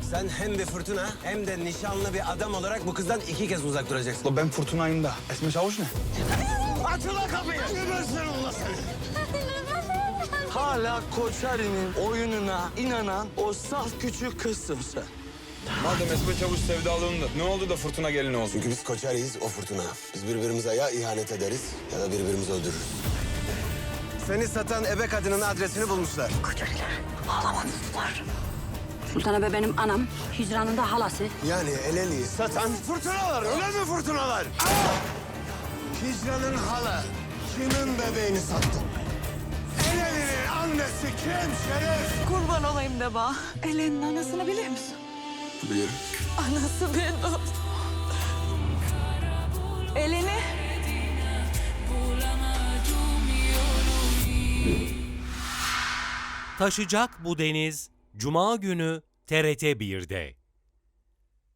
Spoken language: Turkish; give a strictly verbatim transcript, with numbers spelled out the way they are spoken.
Sen hem bir fırtına hem de nişanlı bir adam olarak bu kızdan iki kez uzak duracaksın. Ulan ben fırtınayım da. Esme Çavuş ne? Aç ulan kapıyı! Gebersin Allah seni! Hala Koçari'nin oyununa inanan o saf küçük kızsın sen. Madem Esme Çavuş sevdalığında ne oldu da fırtına gelini olsun? Çünkü biz Koçari'yiz, o fırtına. Biz birbirimize ya ihanet ederiz ya da birbirimizi öldürürüz. Seni satan ebe kadının adresini bulmuşlar. Sultan Ebe benim anam, Hicran'ın da halası. Yani Eleni'yi satan fırtınalar, öyle mi fırtınalar? Hicran'ın hala kimin bebeğini sattı? Eleni'nin annesi kim Şeref? Kurban olayım de bana. Ellen'in anasını biliyor musun? Biliyorum. Anası benim. Eleni. Taşacak bu deniz Cuma günü T R T bir'de.